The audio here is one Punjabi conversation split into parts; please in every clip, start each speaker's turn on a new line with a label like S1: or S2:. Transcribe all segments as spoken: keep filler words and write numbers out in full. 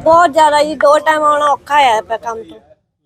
S1: बहुत ज्यादा जी, दो टाइम आना औखा है पे काम तो।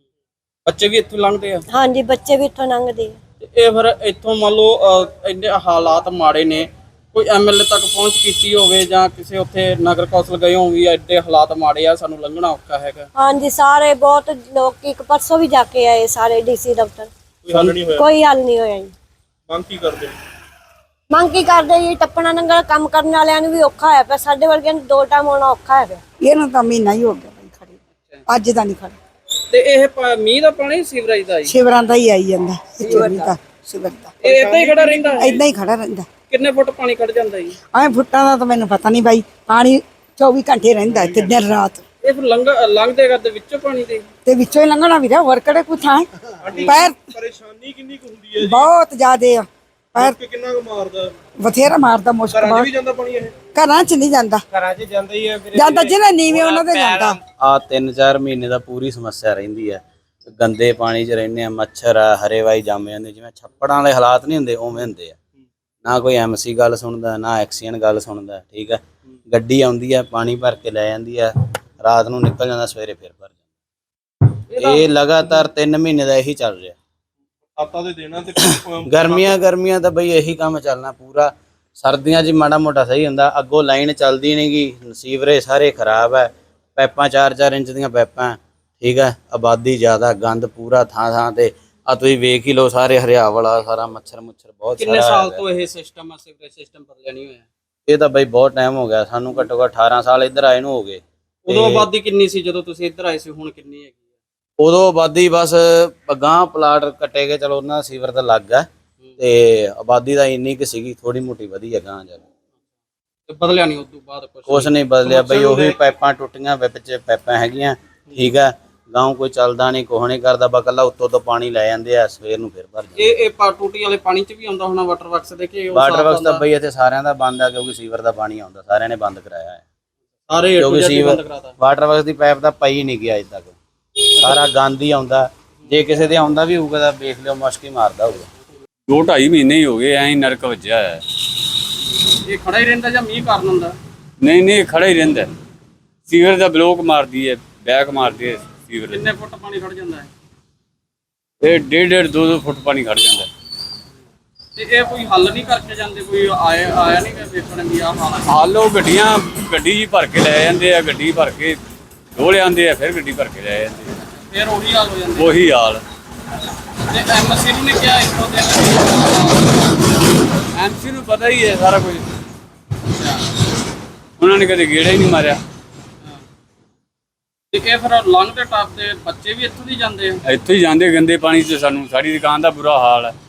S2: ਬੱਚੇ ਵੀ ਇੱਥੋਂ ਲੰਘਦੇ ਆ
S1: हाँ जी, बच्चे भी इतों लंघते
S2: ਤੇ ਇਹ ਫਿਰ ਇੱਥੋਂ ਮੰਨ ਲਓ ਅਹ, ਇੰਨੇ ਹਾਲਾਤ ਮਾੜੇ ਨੇ, ਕੋਈ ਐਮਐਲਏ ਤੱਕ ਪਹੁੰਚ ਕੀਤੀ ਹੋਵੇ ਜਾਂ ਕਿਸੇ ਉੱਥੇ ਨਗਰ ਕੌਂਸਲ ਗਏ ਹੋਣ ਵੀ ਐਡੇ ਹਾਲਾਤ ਮਾੜੇ ਆ, ਸਾਨੂੰ ਲੰਘਣਾ ਔਖਾ ਹੈਗਾ?
S1: हाँ जी, सारे बहुत लोग एक परसों भी जाके आए सारे डीसी दफ्तर,
S3: ਕੋਈ ਹੱਲ ਨਹੀਂ ਹੋਇਆ।
S1: कोई हल नहीं होया जी।
S3: ਮੰਗ ਕੀ ਕਰਦੇ ਨੇ?
S1: ਮੰਗ ਕੀ ਕਰਦੇ ਜੀ, ਟੱਪਣਾ ਨੰਗਲ ਕੰਮ ਕਰਨ ਵਾਲਿਆਂ ਨੂੰ ਵੀ ਔਖਾ ਹੋਇਆ ਪਿਆ, ਸਾਡੇ ਵਰਗਿਆਂ ਨੂੰ ਦੋ ਟਾਈਮ ਆਉਣਾ ਔਖਾ ਹੈ ਪਿਆ।
S4: ਇਹਨਾਂ ਤਾਂ ਮਹੀਨਾ ਹੀ ਹੋ ਗਿਆ ਬਈ ਖੜੇ, ਅੱਜ ਦਾ ਨਹੀਂ ਖੜੇ।
S2: ਤੇ ਇਹ ਪ- ਮੀਂਹ ਦਾ ਪਾਣੀ ਸੀਵਰੇਜ ਦਾ ਜੀ
S4: ਸ਼ਿਵਰਾਂ ਦਾ ਹੀ ਆਈ ਜਾਂਦਾ ਚੋਰੀ ਦਾ ਸ਼ਿਵਰ ਦਾ
S2: ਇਹ ਏਦਾਂ ਹੀ ਖੜਾ ਰਹਿੰਦਾ ਹੈ?
S4: ਏਦਾਂ ਹੀ ਖੜਾ ਰਹਿੰਦਾ।
S2: ਕਿੰਨੇ ਫੁੱਟ ਪਾਣੀ ਖੜ ਜਾਂਦਾ ਜੀ?
S4: ਐ ਫੁੱਟਾਂ ਦਾ ਤਾਂ ਮੈਨੂੰ ਪਤਾ ਨਹੀਂ ਬਾਈ, ਪਾਣੀ ਚੌਵੀ ਘੰਟੇ ਰਹਿੰਦਾ ਇੱਥੇ ਦਿਨ ਰਾਤ,
S2: ਇਹ ਫਿਰ ਲੰਘ ਲੰਘਦੇ ਕਰਦੇ ਵਿੱਚੋਂ ਪਾਣੀ ਦੇ
S4: ਤੇ ਵਿੱਚੋਂ ਹੀ ਲੰਘਣਾ ਵੀਰੇ, ਹੋਰ ਕਿਹੜੇ ਕੋਈ ਥਾਂ ਹੈ? ਪੈਰ
S3: ਪਰੇਸ਼ਾਨੀ ਕਿੰਨੀ ਕੁ ਹੁੰਦੀ ਹੈ?
S4: ਬਹੁਤ ਜ਼ਿਆਦੇ ਆ, ਪੈਰ
S3: ਕਿ ਕਿੰਨਾ ਕੁ ਮਾਰਦਾ?
S4: ਬਥੇਰਾ ਮਾਰਦਾ, ਮੁਸ਼ਕਲ
S3: ਘਰਾਂ 'ਚ
S4: ਬਹੁਤ।
S3: ਵੀ ਜਾਂਦਾ ਪਾਣੀ ਇਹ?
S4: ਘਰਾਂ 'ਚ ਨਹੀਂ ਜਾਂਦਾ,
S5: ਘਰਾਂ 'ਚ ਜਾਂਦਾ ਹੀ ਹੈ ਵੀਰੇ।
S4: ਜਾਂਦਾ ਜਿਹਨੇ ਨੀਵੇਂ ਉਹਨਾਂ ਦੇ ਜਾਂਦਾ।
S6: ਆ ਤਿੰਨ ਚਾਰ ਮਹੀਨੇ ਦਾ ਪੂਰੀ ਸਮੱਸਿਆ ਰਹਿੰਦੀ ਹੈ। ਗੰਦੇ ਪਾਣੀ 'ਚ ਰਹਿੰਦੇ ਆ, ਮੱਛਰ ਆ, ਹਰੇਵਾਈ ਜੰਮ ਜਾਂਦੇ, ਜਿਵੇਂ ਛੱਪੜਾਂ ਵਾਲੇ ਹਾਲਾਤ ਨਹੀਂ ਹੁੰਦੇ ਉਵੇਂ ਹੁੰਦੇ ਆ। ਨਾ ਕੋਈ ਐਮਸੀ ਗੱਲ ਸੁਣਦਾ, ਨਾ ਐਕਸੀਅਨ ਗੱਲ ਸੁਣਦਾ। ਠੀਕ ਹੈ, ਗੱਡੀ ਆਉਂਦੀ ਆ, ਪਾਣੀ ਭਰ ਕੇ ਲੈ ਜਾਂਦੀ ਆ, ਰਾਤ ਨੂੰ ਨਿਕਲ ਜਾਂਦਾ, ਸਵੇਰੇ ਫਿਰ ਭਰ ਜਾਂਦਾ। ਇਹ ਲਗਾਤਾਰ ਤਿੰਨ ਮਹੀਨੇ ਦਾ ਇਹੀ ਚੱਲ ਰਿਹਾ।
S3: ਆਤਾ ਦੇ ਦੇਣਾ ਤੇ
S6: ਗਰਮੀਆਂ ਗਰਮੀਆਂ ਤਾਂ ਬਈ ਇਹੀ ਕੰਮ ਚੱਲਣਾ ਪੂਰਾ। ਸਰਦੀਆਂ 'ਚ ਮਾੜਾ ਮੋਟਾ ਸਹੀ ਹੁੰਦਾ, ਅੱਗੋਂ ਲਾਈਨ ਚੱਲਦੀ ਨਹੀਂ ਗੀ, ਸੀਵਰੇਜ ਸਾਰੇ ਖਰਾਬ ਹੈ, ਪੈਪਾਂ ਚਾਰ ਚਾਰ ਇੰਚ ਦੀਆਂ ਪੈਪਾਂ। ਠੀਕ ਹੈ, ਆਬਾਦੀ ਜ਼ਿਆਦਾ, ਗੰਦ ਪੂਰਾ ਥਾਂ ਥਾਂ ਤੇ। ਆ ਤੁਸੀਂ ਵੇਖ ਹੀ ਲਓ, ਸਾਰੇ ਹਰਿਆ ਵਾਲਾ ਸਾਰਾ ਮੱਛਰ ਮੁੱਛਰ ਬਹੁਤ
S2: ਕਿੰਨੇ
S6: ਸਾਰਾ
S2: ਸਾਲ
S6: ਹੈਗਾ।
S2: ਤੋਂ ਇਹ ਸਿਸਟਮ ਆ, ਸੀਵਰੇਜ ਸਿਸਟਮ ਬਦਲਿਆ ਨਹੀਂ ਹੋਇਆ?
S6: ਇਹ ਤਾਂ ਬਈ ਬਹੁਤ ਟਾਈਮ ਹੋ ਗਿਆ, ਸਾਨੂੰ ਘੱਟੋ ਘੱਟ ਅਠਾਰਾਂ ਸਾਲ ਇੱਧਰ ਆਏ ਨੂੰ ਹੋ ਗਏ।
S2: ਉਦੋਂ ਆਬਾਦੀ ਕਿੰਨੀ ਸੀ ਜਦੋਂ ਤੁਸੀਂ ਇੱਧਰ ਆਏ ਸੀ, ਹੁਣ ਕਿੰਨੀ ਹੈਗੀ ਆ?
S6: ਉਦੋਂ ਆਬਾਦੀ ਬਸ ਗਾਂ ਪਲਾਟ ਕੱਟੇ ਗਏ, ਚਲੋ ਉਹਨਾਂ ਦਾ ਸੀਵਰ ਤਾਂ ਲੱਗ ਗਿਆ, ਤੇ ਆਬਾਦੀ ਦਾ ਇੰਨੀ ਕੁ ਸੀਗੀ, ਥੋੜੀ ਮੋਟੀ ਵਧੀ ਹੈ ਗਾਂ ਜਾ ਕੇ।
S2: ਤੇ ਬਦਲਿਆ ਨਹੀਂ ਉਦੋਂ ਬਾਅਦ ਕੁਝ?
S6: ਕੁਛ ਨਹੀਂ ਬਦਲਿਆ ਬਈ, ਉਹੀ ਪਾਈਪਾਂ ਟੁੱਟੀਆਂ, ਵਿੱਚ ਪੈਪਾਂ ਹੈਗੀਆਂ। ਠੀਕ ਹੈ, ਗਾਉਂ ਕੋਈ ਚੱਲਦਾ ਨਹੀਂ, ਕੁਛ ਨਹੀਂ ਕਰਦਾ, ਬਸ ਇਕੱਲਾ ਉੱਤੋਂ ਤੋਂ ਪਾਣੀ ਲੈ ਜਾਂਦੇ ਆ, ਸਵੇਰ ਨੂੰ ਫਿਰ ਭਰ ਜਾਂਦੇ।
S2: ਇਹ ਇਹ ਪਾ ਟੂਟੀ ਵਾਲੇ ਪਾਣੀ 'ਚ ਵੀ ਆਉਂਦਾ ਹੋਣਾ ਵਾਟਰ ਵਰਕਸ ਦੇ ਕਿ ਉਹ
S6: ਵਾਟਰ
S2: ਸਾਫ਼
S6: ਵਰਕਸ ਤਾਂ
S2: ਆਉਂਦਾ?
S6: ਬਈ ਇੱਥੇ ਸਾਰਿਆਂ ਦਾ ਬੰਦ ਆ, ਕਿਉਂਕਿ ਸੀਵਰ ਦਾ ਪਾਣੀ ਆਉਂਦਾ, ਸਾਰਿਆਂ ਨੇ ਬੰਦ ਕਰਾਇਆ ਹੈ।
S2: ਸਾਰੇ
S6: ਕਿਉਂਕਿ
S2: ਬੰਦ
S6: ਸੀਵਰ
S2: ਕਰਾਤਾ।
S6: ਵਾਟਰ ਵਰਕਸ ਦੀ ਪਾਈਪ ਤਾਂ ਪਈ ਨਹੀਂ ਗਿਆ ਅਜੇ ਤੱਕ, ਸਾਰਾ ਗੰਦ ਹੀ ਆਉਂਦਾ। ਜੇ ਕਿਸੇ ਦੇ ਆਉਂਦਾ ਵੀ ਹੋਊਗਾ ਤਾਂ ਵੇਖ ਲਿਓ, ਮੁਸ਼ਕ ਹੀ ਮਾਰਦਾ ਹੋਊਗਾ।
S7: ਦੋ ਢਾਈ ਮਹੀਨੇ ਹੀ ਹੋ ਗਏ ਐਂ ਹੀ ਨਰਕ ਵੱਜਿਆ ਹੈ।
S2: ਇਹ ਖੜਾ ਹੀ ਰਹਿੰਦਾ ਜਾਂ ਮੀਂਹ ਕਾਰਨ ਹੁੰਦਾ?
S7: ਨਹੀਂ ਨਹੀਂ ਖੜਾ ਹੀ ਰਹਿੰਦਾ, ਸੀਵਰ ਦਾ ਬਲੋਕ ਮਾਰਦੀ ਹੈ, ਬੈਕ ਮਾਰਦੀ ਹੈ ਸੀਵਰ।
S2: ਕਿੰਨੇ ਫੁੱਟ ਪਾਣੀ ਖੜ ਜਾਂਦਾ ਹੈ?
S7: ਇਹ ਡੇਢ ਡੇਢ ਦੋ ਦੋ ਫੁੱਟ ਪਾਣੀ ਖੜ ਜਾਂਦਾ।
S2: ਤੇ ਇਹ ਕੋਈ ਹੱਲ ਨਹੀਂ ਕਰਕੇ ਜਾਂਦੇ? ਕੋਈ ਆਇਆ ਆਇਆ ਨਹੀਂ ਕਿ ਵੇਖਣ ਵੀ ਆਹ ਹਾਲ ਹੈ?
S7: ਹਾਲੋ ਗੱਡੀਆਂ ਗੱਡੀ ਜੀ ਭਰ ਕੇ ਲੈ ਜਾਂਦੇ ਆ, ਗੱਡੀ ਭਰ ਕੇ ਢੋਲੇ ਆਉਂਦੇ ਆ, ਫਿਰ ਗੱਡੀ ਭਰ ਕੇ ਲੈ ਜਾਂਦੇ ਆ,
S2: ਫਿਰ ਉਹੀ ਹਾਲ ਹੋ ਜਾਂਦਾ?
S7: ਉਹੀ ਹਾਲ।
S2: ਤੇ ਐਮਸੀ ਨੇ ਕਿਹਾ ਇੱਥੋਂ ਦੇ
S7: ਐਮਸੀ ਨੂੰ ਪਤਾ ਹੀ ਹੈ ਸਾਰਾ ਕੁਝ, ਉਹਨਾਂ ਨੇ ਕਦੇ ਗੇੜਾ ਹੀ ਨਹੀਂ ਮਾਰਿਆ।
S2: ਤੇ ਇਹ ਫਿਰ ਲੰਘਦੇ ਟੱਪਦੇ ਬੱਚੇ ਵੀ ਇੱਥੋਂ ਦੀ ਜਾਂਦੇ ਆ?
S7: ਇੱਥੋਂ ਹੀ ਜਾਂਦੇ ਗੰਦੇ ਪਾਣੀ 'ਚ, ਸਾਨੂੰ ਸਾਡੀ ਦੁਕਾਨ ਦਾ ਬੁਰਾ ਹਾਲ ਹੈ।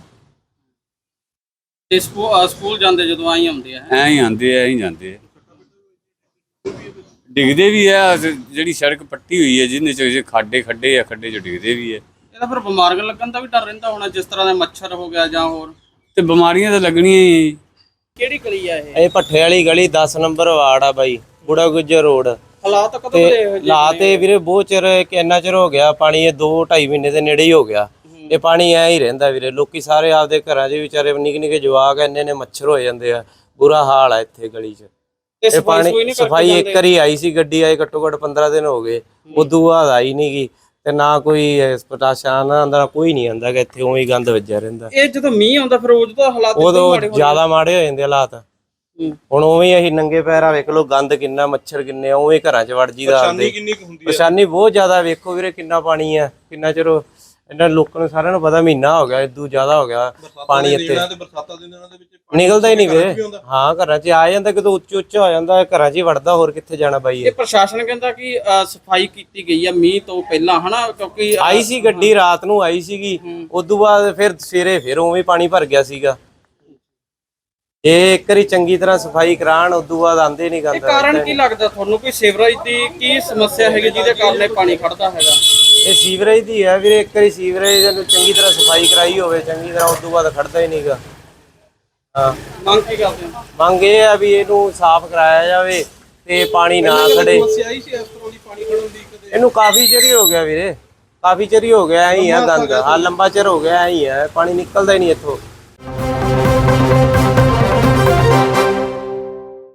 S2: ਤੇ ਸਕੂ- ਸਕੂਲ ਜਾਂਦੇ ਜਦੋਂ ਆਈ ਆਉਂਦੇ ਆ?
S7: ਐਂ ਹੀ ਆਉਂਦੇ ਆ, ਐਂ ਹੀ ਜਾਂਦੇ ਆ, ਡਿੱਗਦੇ ਵੀ ਆ। ਜਿਹੜੀ ਸੜਕ ਪੱਟੀ ਹੋਈ ਹੈ ਜਿਹਦੇ 'ਚ ਖਾਡੇ ਖੱਡੇ ਆ, ਖੱਡੇ 'ਚ ਡਿੱਗਦੇ ਵੀ ਆ।
S2: ਇਹਦਾ ਫਿਰ ਬਿਮਾਰੀਆਂ ਲੱਗਣ ਦਾ ਵੀ ਡਰ ਰਹਿੰਦਾ ਹੋਣਾ, ਜਿਸ ਤਰ੍ਹਾਂ ਦਾ ਮੱਛਰ ਹੋ ਗਿਆ ਜਾਂ ਹੋਰ?
S7: ਤੇ ਬਿਮਾਰੀਆਂ ਤਾਂ ਲੱਗਣੀਆਂ ਹੀ।
S2: ਕਿਹੜੀ ਗਲੀ ਆ ਇਹ?
S5: ਇਹ ਭੱਠੇ ਵਾਲੀ ਗਲੀ ਦਸ ਨੰਬਰ ਵਾਰਡ ਆ ਬਾਈ, ਬੁੜਾ ਗੁੱਜਰ ਰੋਡ।
S2: ਹਾਲਾਤ ਕਦੋਂ
S5: ਤੇ
S2: ਦੇ ਇਹੋ ਜਿਹੇ
S5: ਲਾ
S2: ਨੇ?
S5: ਤੇ ਵੀਰੇ ਬਹੁਤ ਚਿਰ, ਕਿੰਨਾ ਚਿਰ ਹੋ ਗਿਆ ਪਾਣੀ, ਇਹ ਦੋ ਢਾਈ ਮਹੀਨੇ ਦੇ ਨੇੜੇ ਹੀ ਹੋ ਗਿਆ। ਇਹ ਪਾਣੀ ਐ ਹੀ ਰਹਿੰਦਾ ਵੀਰੇ, ਲੋਕੀ ਸਾਰੇ ਆਪਦੇ ਘਰਾਂ 'ਚ ਵਿਚਾਰੇ ਨਿੱਕੇ ਨਿੱਕੇ ਜਵਾਕ ਇੰਨੇ ਨੇ ਮੱਛਰ ਹੋ ਜਾਂਦੇ ਆ, ਬੁਰਾ ਹਾਲ ਆ ਇੱਥੇ ਗਲੀ 'ਚ।
S2: ਤੇ
S5: ਇਹ
S2: ਸਫਾਈ
S5: ਪਾਣੀ
S2: ਸਫੂਈ ਨਹੀਂ ਕਰਕੇ
S5: ਸਫਾਈ ਇੱਕ
S2: ਜਾਂਦੇ?
S5: ਵਾਰੀ ਆਈ ਸੀ, ਗੱਡੀ ਆਈ ਘੱਟੋ ਘੱਟ ਪੰਦਰਾਂ ਦਿਨ ਹੋ ਗਏ, ਉਦੋਂ ਬਾਅਦ ਆਈ ਨਹੀਂ ਗਈ। ਤੇ ਨਾ ਕੋਈ ਪ੍ਰਸ਼ਾਸਨ ਆਉਂਦਾ, ਕੋਈ ਨਹੀਂ ਆਉਂਦਾ ਕਿ ਇੱਥੇ ਉਵੇਂ ਹੀ ਗੰਦ ਵੱਜਿਆ ਰਹਿੰਦਾ।
S2: ਇਹ ਜਦੋਂ ਮੀਂਹ ਆਉਂਦਾ ਫਿਰ ਉਦੋਂ ਤਾਂ ਹਾਲਾਤ ਇੱਦਾਂ
S5: ਉਦੋਂ
S2: ਮਾੜੇ ਹੋ
S5: ਜ਼ਿਆਦਾ ਮਾੜੇ ਹੋ ਜਾਂਦੇ ਹਾਲਾਤ। ਹੁਣ ਉਵੇਂ ਹੀ ਅਸੀਂ ਨੰਗੇ ਪੈਰਾਂ ਵੇਖ ਲਓ, ਗੰਦ ਕਿੰਨਾ, ਮੱਛਰ ਕਿੰਨੇ, ਉਵੇਂ ਘਰਾਂ 'ਚ ਵੜ ਜੀਦਾ।
S3: ਪਰੇਸ਼ਾਨੀ ਕਿੰਨੀ ਕੁ ਹੁੰਦੀ ਹੈ?
S5: ਪਰੇਸ਼ਾਨੀ ਬਹੁਤ ਜ਼ਿਆਦਾ, ਵੇਖੋ ਵੀਰੇ ਕਿੰਨਾ ਪਾਣੀ ਆ, ਕਿੰਨਾ ਚਿਰ ਇਹਨਾਂ ਲੋਕਾਂ ਨੂੰ ਸਾਰਿਆਂ ਨੂੰ ਪਤਾ, ਮਹੀਨਾ ਹੋ ਗਿਆ, ਇਦੋਂ ਜ਼ਿਆਦਾ ਹੋ ਗਿਆ ਪਾਣੀ ਇੱਥੇ।
S3: ਤੇ ਬਰਸਾਤਾਂ ਦੇ ਦਿਨਾਂ ਦੇ ਵਿੱਚ ਪਾਣੀ
S5: ਨਿਕਲਦਾ ਹੀ ਨਹੀਂ
S3: ਘਰਾਂ 'ਚ
S5: ਵੀਰੇ।
S3: ਵੀ ਆਉਂਦਾ?
S5: ਹਾਂ ਘਰਾਂ 'ਚ ਆ ਜਾਂਦਾ, ਕਿਤੇ ਉੱਚ ਉੱਚ ਹੋ ਜਾਂਦਾ, ਘਰਾਂ 'ਚ ਹੀ ਵੜਦਾ, ਹੋਰ ਕਿੱਥੇ ਜਾਣਾ ਬਾਈ।
S2: ਇਹ ਪ੍ਰਸ਼ਾਸਨ ਕਹਿੰਦਾ ਕਿ ਅ, ਸਫਾਈ ਕੀਤੀ ਗਈ ਆ ਮੀਂਹ ਤੋਂ ਪਹਿਲਾਂ, ਹਨਾ? ਕਿਉਂਕਿ
S5: ਆਈ ਸੀ ਗੱਡੀ, ਰਾਤ ਨੂੰ ਆਈ ਸੀਗੀ, ਉਦੋਂ ਬਾਅਦ ਫਿਰ ਸਵੇਰੇ ਫਿਰ ਉਵੇਂ ਪਾਣੀ ਭਰ ਗਿਆ ਸੀਗਾ। ਇਹ ਇੱਕ ਵਾਰੀ ਚੰਗੀ ਤਰ੍ਹਾਂ ਸਫਾਈ ਕਰਾਣ, ਉਦੋਂ ਬਾਅਦ ਆਂਦੇ ਨਹੀਂ
S2: ਇਹ
S5: ਗੰਦ।
S2: ਕਾਰਨ ਕੀ ਲੱਗਦਾ ਤੁਹਾਨੂੰ? ਕੋਈ ਸੀਵਰੇਜ ਦੀ ਕੀ ਸਮੱਸਿਆ ਹੈਗੀ ਜਿਹਦੇ ਕਾਰਨ ਇਹ ਪਾਣੀ ਖੜਦਾ ਹੈਗਾ?
S5: ਇਹ ਸੀਵਰੇਜ ਦੀ ਹੈ ਵੀਰੇ, ਇੱਕ ਵਾਰੀ ਸੀਵਰੇਜ ਨੂੰ ਚੰਗੀ ਤਰ੍ਹਾਂ ਸਫਾਈ ਕਰਾਈ ਹੋਵੇ ਚੰਗੀ ਤਰ੍ਹਾਂ, ਉਦੋਂ ਬਾਅਦ ਖੜਦਾ ਹੀ ਨਹੀਂਗਾ। ਹਾਂ,
S2: ਮੰਗ ਕੀ ਕਰਦੇ ਹੋ?
S5: ਮੰਗ ਇਹ ਆ ਵੀ ਇਹਨੂੰ ਸਾਫ਼ ਕਰਾਇਆ ਜਾਵੇ ਤੇ ਪਾਣੀ ਨਾ ਖੜੇ।
S3: ਸਮੱਸਿਆ ਆਈ ਸੀ ਇਸ ਤਰ੍ਹਾਂ ਦੀ ਪਾਣੀ ਖੜਨ ਦੀ ਕਦੇ?
S5: ਇਹਨੂੰ ਕਾਫੀ ਚਿਰ ਹੀ ਹੋ ਗਿਆ ਵੀਰੇ, ਕਾਫੀ ਚਿਰ ਹੀ ਹੋ ਗਿਆ ਐਂ ਹੀ ਆ ਗੰਦ। ਹਾਂ ਲੰਬਾ ਚਿਰ ਹੋ ਗਿਆ ਐਂ ਹੀ ਆ, ਪਾਣੀ ਨਿਕਲਦਾ ਹੀ ਨਹੀਂ ਇੱਥੋਂ।